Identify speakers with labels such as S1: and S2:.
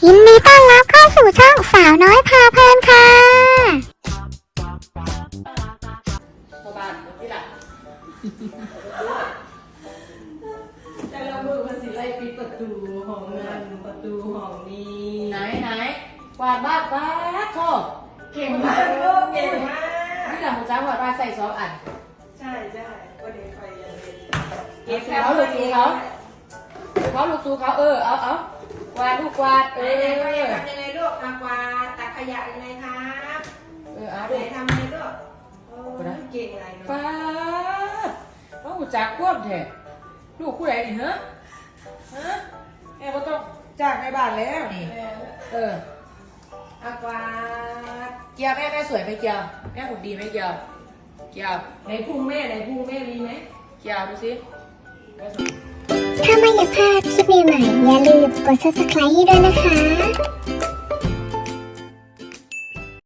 S1: ยินดีต้อนรับเข้าสู่ช่องสาวน้อยพาเพลินค่ะ
S2: พ่อบ้านที่หลังแต่ละมือมันสิไล่ปิดประตูห้องนั้นประตูห้องนี้ไหนกวาดบ้านป้าโทษเก่งมากลูกเก่งมากนี่หลังของจ้ากวาดบ้านใส่2 อัน
S3: ใช่วันนี้ไปยังเรียน
S2: เก็บเขาลูกซูเขาลูกซูเขาเอากวาดลูกกวาด
S3: ทำยังไงลูกทำกวาดตักขยะยังไงครับ
S2: เอา
S3: ไหนทำยังไงลูกเก่งอะไร
S2: ป้าว่าหูจักควบแท้ลูกผู้ใดนี่ฮะแม่ก็ต้องจ้างในบ้านแล้วนี่กวาดเกียวแม่สวยไหมเกียวแม่หุ่นดีไหมเกียว
S3: ไหนพุงแม่ดีไหม
S2: เกียวดูสิ
S1: ถ้าไม่อยากพลาดคลิปใหม่ๆอย่าลืมกด subscribe ให้ด้วยนะคะ